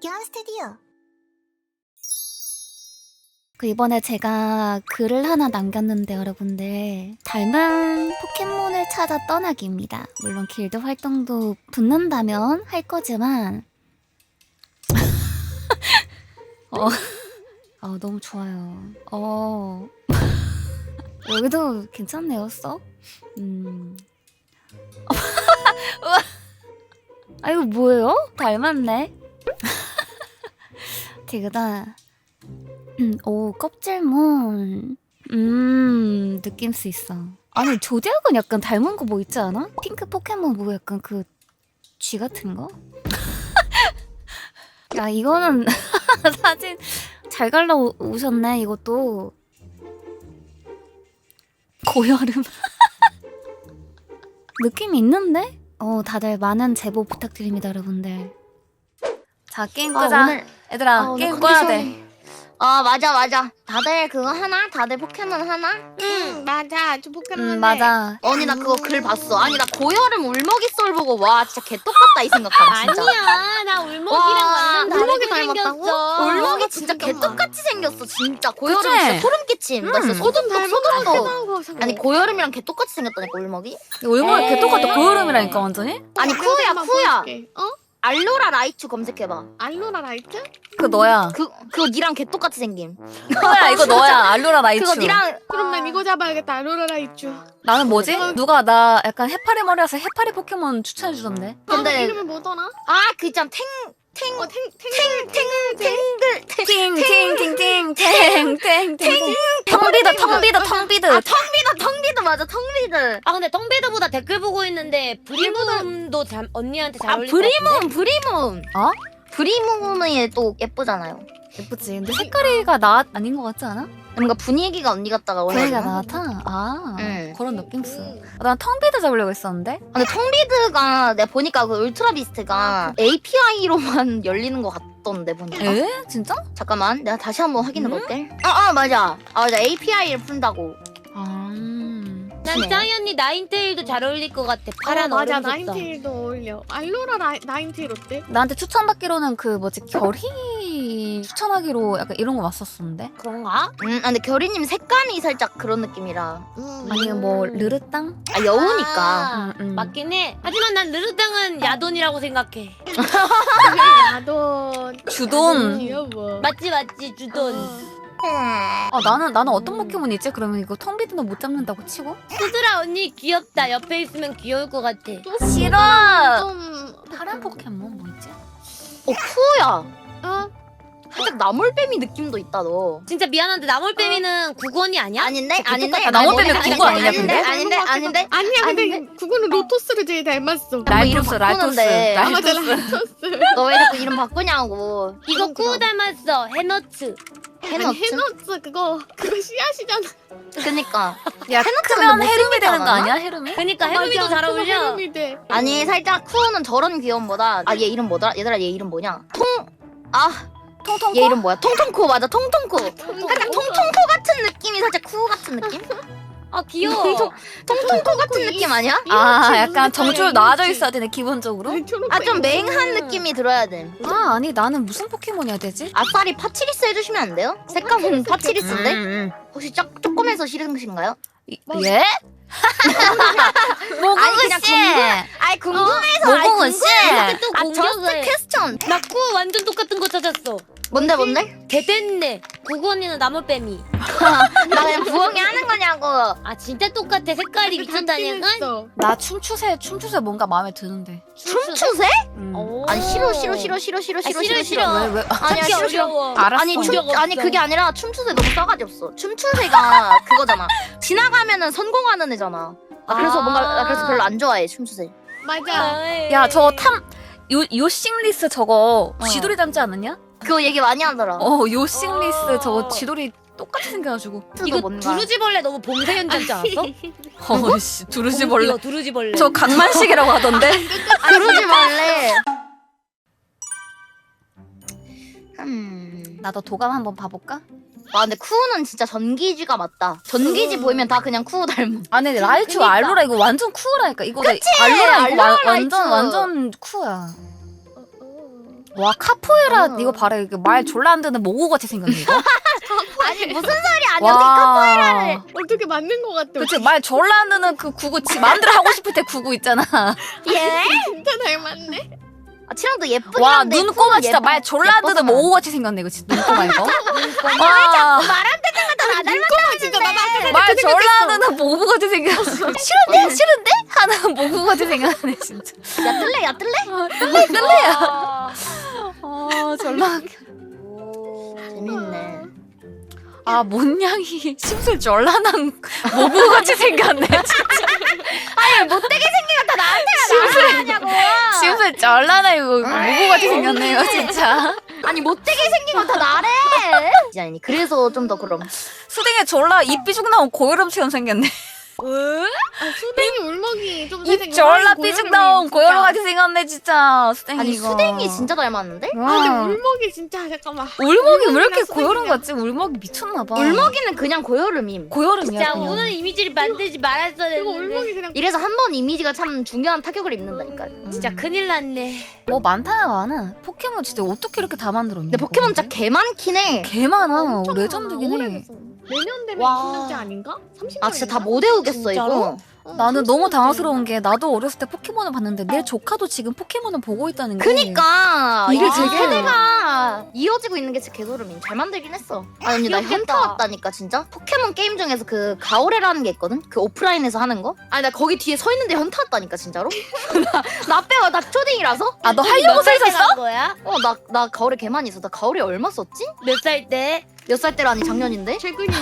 박현 스튜디오. 이번에 제가 글을 하나 남겼는데 여러분들 닮은 포켓몬을 찾아 떠나기입니다. 물론 길드 활동도 붙는다면 할 거지만 너무 좋아요. 여기도 괜찮네요. 썩? 이거 뭐예요? 닮았네. 되게다. 오, 껍질몬. 느낌수 있어. 아니, 조디악은 약간 닮은 거 뭐 있지 않아? 핑크 포켓몬 뭐 약간 그 쥐 같은 거? 야, 이거는 사진 잘 갈라 오셨네, 이것도. 고여름. 느낌이 있는데? 다들 많은 제보 부탁드립니다, 여러분들. 자, 게임 끄자. 오늘 얘들아, 게임 꺼야 돼. 맞아. 다들 그거 하나? 다들 포켓몬 하나? 응 맞아 저 포켓몬 맞아. 언니 나 그거 글 봤어. 아니 나 고여름 울먹이 썰 보고 와 진짜 개똑같다 이 생각함 진짜. 아니야 나 울먹이랑 와, 완전 울먹이 다르게 닮았다고? 생겼어. 울먹이 진짜 개똑같이 생겼어 진짜. 고여름 그치? 진짜 소름 끼침. 나 진짜 소름 닮았다고 돋았어. 생각하고 아니 고여름이랑 개똑같이 생겼다니까 울먹이? 얼마나 에이. 개똑같아. 고여름이라니까 완전히? 아니 쿠야 보여줄게. 알로라 라이츄 검색해봐. 알로라 라이트? 그거 너야. 그거 니랑 개똑같이 생김. 그거야, 이거 너야. 알로라 라이츄. 그거 니랑 그럼 난 이거 잡아야겠다 알로라 라이트. 나는 뭐지? 누가 나 약간 해파리 머리라서 해파리 포켓몬 추천해주던데? 근데- 이름이 뭐더라? 그 있잖아 탱글 팅팅팅팅팅팅팅팅 텅비드 텅비드 맞아 텅비드. 아 근데 텅비드보다 댓글 보고 있는데 브리무도 언니한테 잘 어울릴 것 같은데? 브리문 어? 브리문이 또 예쁘잖아요. 예쁘지. 근데 색깔이가 나 아닌 것 같지 않아? 뭔가 분위기가 언니 같다가 그래가 원래. 나타? 응. 그런 느낌스. 난 텅비드 잡으려고 했었는데? 근데 텅비드가 내가 보니까 그 울트라 비스트가 API로만 열리는 것 같던데 보니까. 에? 진짜? 잠깐만 내가 다시 한번 확인해 볼게. 맞아. 맞아 API를 푼다고. 난 짜이 언니 나인테일도 잘 어울릴 것 같아. 파란 맞아 얼음 속성. 나인테일도 어울려. 알로라 나인테일 어때? 나한테 추천받기로는 그 뭐지 결희 추천하기로 약간 이런 거 왔었었는데? 그런가? 근데 결이님 색감이 살짝 그런 느낌이라. 아니면 뭐 르르땅? 여우니까. 맞긴 해. 하지만 난 르르땅은 야돈이라고 생각해. 야돈. 주돈. 귀여워. 맞지 주돈. 나는 어떤 포켓몬이 있지? 그러면 이거 텅비드는 못 잡는다고 치고? 수드라 언니 귀엽다. 옆에 있으면 귀여울 것 같아. 싫어! 좀 파란 포켓몬 뭐 있지? 쿠야. 어? 살짝 나몰뱀이 느낌도 있다 너. 진짜 미안한데 나몰뱀이는 국원이 아니야? 아닌데? 아닌데? 나몰뱀이 그거 아니냐, 근데? 아닌데? 아니야 근데 그거는 로토스를 제일 닮았어. 라이토스. 바꾸는데. 아 맞아 라이토스. 라이토스. 너 왜 이렇게 이름 바꾸냐고. 이거 쿠 닮았어. 해너츠. 아니 해놓지. 해너츠 그거 씨앗이잖아. 그니까. 야, 크면 못 헤름이 되는 거 않았나? 아니야? 헤름이? 그니까 해루미도 잘 어울려. 해루미 돼. 아니 살짝 쿠는 저런 귀여움보다 얘 이름 뭐더라? 얘들아 얘 이름 뭐냐? 통통코? 얘 이름 뭐야? 통통코 맞아 통통코. 살짝 통통코 같은 느낌이 살짝 쿠 같은 느낌? 아 귀여워. 통통코 같은 느낌 아니야? 약간 정줄 놔져 있어야 되네, 기본적으로? 좀 맹한 느낌이 들어야 돼. 아니, 나는 무슨 포켓몬이 해야 되지? 아싸리 파치리스 해주시면 안 돼요? 색감은 파치리스인데? 혹시 조금해서 싫으신가요? 예? 모공은 씨! 아니 궁금해서 모공은 씨! 또 저스트 공격을. 퀘스천. 나 쿠 완전 똑같은 거 찾았어. 뭔데? 개됐네. 국원이는 나몰뱀이. 나 그냥 부엉이 하는 거냐고. 아 진짜 똑같아. 색깔이 미쳤다니까. 나 춤추세 뭔가 마음에 드는데. 춤추세? 오. 아니 싫어. 싫어. 왜? 아니야 찾기 싫어. 어려워. 알았어. 아니 그게 아니라 춤추세 너무 싸가지 없어. 춤추세가 그거잖아. 지나가면은 성공하는 애잖아. 그래서 나 그래서 별로 안 좋아해 춤추세. 맞아. 야, 요싱리스 저거 쥐돌이 닮지 않았냐? 그거 얘기 많이 하더라. 요싱리스 저거 쥐돌이 똑같이 생겨가지고. 이거 뭔가. 두루지벌레 너무 봉쇄현 닮지 않았어? 어이씨, 두루지벌레. 이거 두루지벌레. 저 강만식이라고 하던데? 그러지 말래. 나도 도감 한번 봐볼까? 근데 쿠는 진짜 전기지가 맞다. 전기지 보이면 다 그냥 쿠 닮아. 아니, 라이츄 그니까. 알로라 이거 완전 쿠라니까. 이거 그치? 알로라 이거 알로라 완전 라이츄. 완전 쿠야. 와 카포에이라 어. 이거 봐라 이거 말 졸라 안 듣는 모고 같이 생겼네 이거. 아니 무슨 소리 아니야? 카포에이라를. 어떻게 맞는 것 같아. 그치 말 졸라 안 듣는 그 구구 지 마음대로 하고 싶을 때 구구 있잖아. 예? 진짜 닮았네. 아 치랑도 예쁘긴 와 한데 눈꼬마 진짜 말 졸라 안 듣는 예뻐서. 모고 같이 생겼네 이거 진짜 눈꼬마 이거. 와 말한 데마다 나 닮았다고 진짜 나도 아까 말 졸라 안 듣는 모고 같이 생겼어. 싫은데 하는 모고 같이 생겼네 진짜. 야 뜰래 야 뜰래? 뜰래야. 아 졸라. 재밌네. 아 몬냥이 심술 졸라난 모고 같이 생겼네. 아니 못되게 생긴 거 다 나한테 나하냐고. 심술 졸라나 이거 모고 같이 생겼네요 진짜. 아니 못되게 생긴 거 다 나래. 아니 그래서 좀 더 그럼. 수댕에 졸라 입 삐죽 나온 고여름처럼 생겼네. 아, 수댕이 울먹이 좀 입 졸라 삐죽 나온 고여름 같이 생겼네 진짜. 수댕이 아니 이거. 수댕이 진짜 닮았는데? 아 근데 울먹이 진짜 잠깐만. 울먹이 왜 이렇게 울먹이랑 고여름 수댕이랑. 같지? 울먹이 미쳤나봐. 울먹이는 그냥 고여름임. 고여름이야 자 그냥. 오늘 이미지를 만들지 말았어야 이거 했는데 울먹이 그냥. 이래서 한 번 이미지가 참 중요한 타격을 입는다니까. 진짜 큰일 났네. 뭐 많다 많아. 포켓몬 진짜 어떻게 이렇게 다 만들었냐. 근데 포켓몬 진짜 개 많긴 해. 개 많아. 엄청 레전드긴 많아. 해. 오래됐어. 내년 되면 와. 20년째 아닌가? 30년. 아 진짜 다 못 외우겠어 진짜로? 이거. 나는 너무 당황스러운 게 나도 어렸을 때 포켓몬을 봤는데 내 조카도 지금 포켓몬을 보고 있다는 게. 그니까 이게 이게 되게- 세대가 이어지고 있는 게 진짜 개소름이. 잘 만들긴 했어. 아니 언니 나 귀엽겠다. 현타 왔다니까 진짜. 포켓몬 게임 중에서 그 가오레라는 게 있거든. 그 오프라인에서 하는 거. 아니 나 거기 뒤에 서 있는데 현타 왔다니까 진짜로. 나 빼고 나 초딩이라서. 아 너 하려고 서 있었어? 간 거야? 나 가오레 개 많이 있어. 나 가오레 얼마 썼지? 몇 살 때? 몇 살 때라니 작년인데. 최근이지.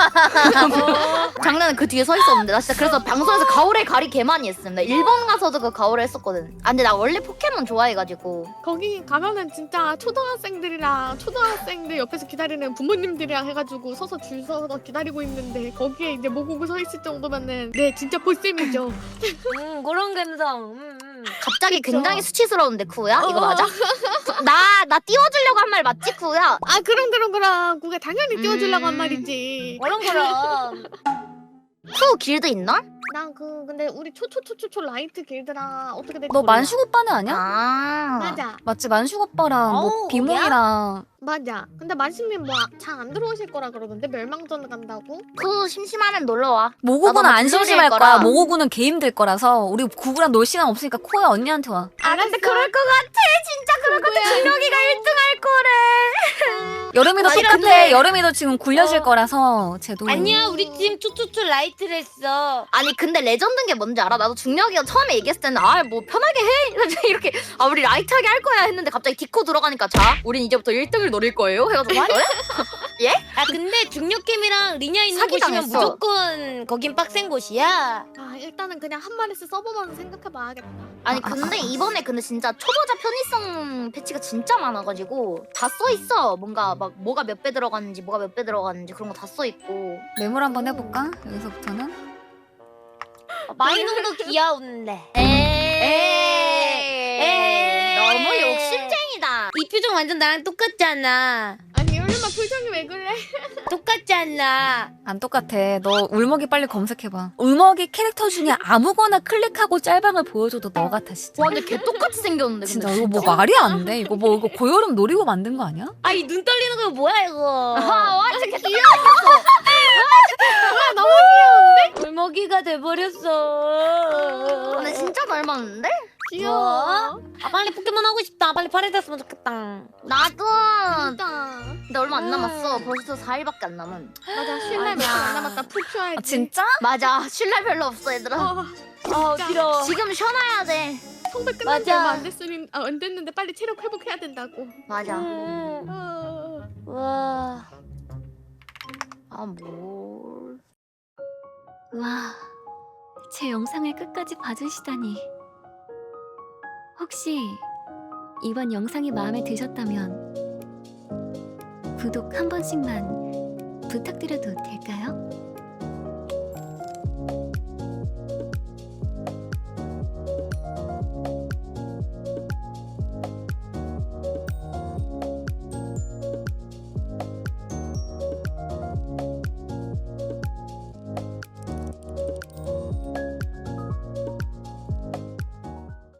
작년에 그 뒤에 서 있었는데 나 진짜 그래서 방송에서 가오레 가리 개 많이 했음. 나 일본 가서도 그 가오레 했었거든. 아 근데 나 원래 포켓몬 좋아해가지고. 거기 가면은 진짜 초등학생들이랑 초등학생들 옆에서 기다리는 부모님들이랑 해가지고 서서 줄 서서 기다리고 있는데 거기에 이제 모고고 서 있을 정도면은 네 진짜 볼셈이죠. 그런 감성. 갑자기 그쵸. 굉장히 수치스러운데 쿠야? 이거 맞아? 나 띄워주려고 한 말 맞지 쿠야? 아 그럼 그게 당연히 띄워주려고 한 음. 말이지. 그럼. 쿠 길드 있나? 난 근데 우리 초초초초초 라이트 길드랑 어떻게 될지 너 몰라. 만식 오빠는 아니야? 아 맞아 맞지 만식 오빠랑 뭐 어우, 비몽이랑 맞아. 근데 만식님 뭐 잘 안 들어오실 거라 그러던데 멸망전 간다고? 쿠 심심하면 놀러와. 모고구는 나도 안 물놀이 심심할 할 거야. 거라. 모고구는 게임 될 거라서 우리 구구랑 놀 시간 없으니까 코야 언니한테 와. 아 근데 그럴 것 같아. 진짜 그럴 것 같아. 준혁이가 1등할 거래. 여름이도 또 싫어도 근데 돼. 여름이도 지금 굴려질 거라서 쟤도. 아니야 우리 팀 초초초 라이트를 했어. 아니 근데 레전드인 게 뭔지 알아? 나도 중력이가 처음에 얘기했을 때는 아 뭐 편하게 해 이렇게 아 우리 라이트하게 할 거야 했는데 갑자기 디코 들어가니까 자 우린 이제부터 1등을 노릴 거예요 해가지고 예? 아 근데 중력캠이랑 리냐 있는 사기당했어. 곳이면 무조건 거긴 빡센 곳이야. 아 일단은 그냥 한 마리씩 써보면 생각해봐야겠다. 아니 근데 이번에 근데 진짜 초보자 편의성 패치가 진짜 많아가지고 다 써 있어. 뭔가 막 뭐가 몇 배 들어갔는지 뭐가 몇 배 들어갔는지 그런 거 다 써 있고. 매물 한번 해볼까? 여기서부터는. 마이농도 귀여운데. 에이 너무 욕심쟁이다. 이 표정 완전 나랑 똑같잖아. 아니 얼마 표정이 왜 그래? 똑같잖아. 안 똑같아. 너 울먹이 빨리 검색해봐. 울먹이 캐릭터 중에 아무거나 클릭하고 짤방을 보여줘도 너 같아 진짜. 와 근데 개 똑같이 생겼는데 진짜 근데 이거 뭐 말이 안 돼. 이거 뭐 이거 고여름 노리고 만든 거 아니야? 아 이 눈 떨리는 거 뭐야 이거. 와 진짜 개 너무 울먹이가 돼버렸어. 근데 진짜 닮았는데? 귀여워. 뭐? 아 빨리 포켓몬 하고 싶다. 빨리 팔이 됐으면 좋겠다. 나도 진짜. 근데 얼마 안 남았어. 벌써 4일밖에 안 남은. 맞아 쉴날 몇안 남았다. 푹 쉬어야지. 아, 진짜? 맞아 쉴 날 별로 없어 얘들아. 아, 아 진짜. 길어. 지금 쉬어놔야 돼. 성배 끝난 지 맞아. 얼마 안 됐는데 빨리 체력 회복해야 된다고. 맞아. 와. 아 뭘. 와, 제 영상을 끝까지 봐주시다니. 혹시 이번 영상이 마음에 드셨다면 구독 한 번씩만 부탁드려도 될까요?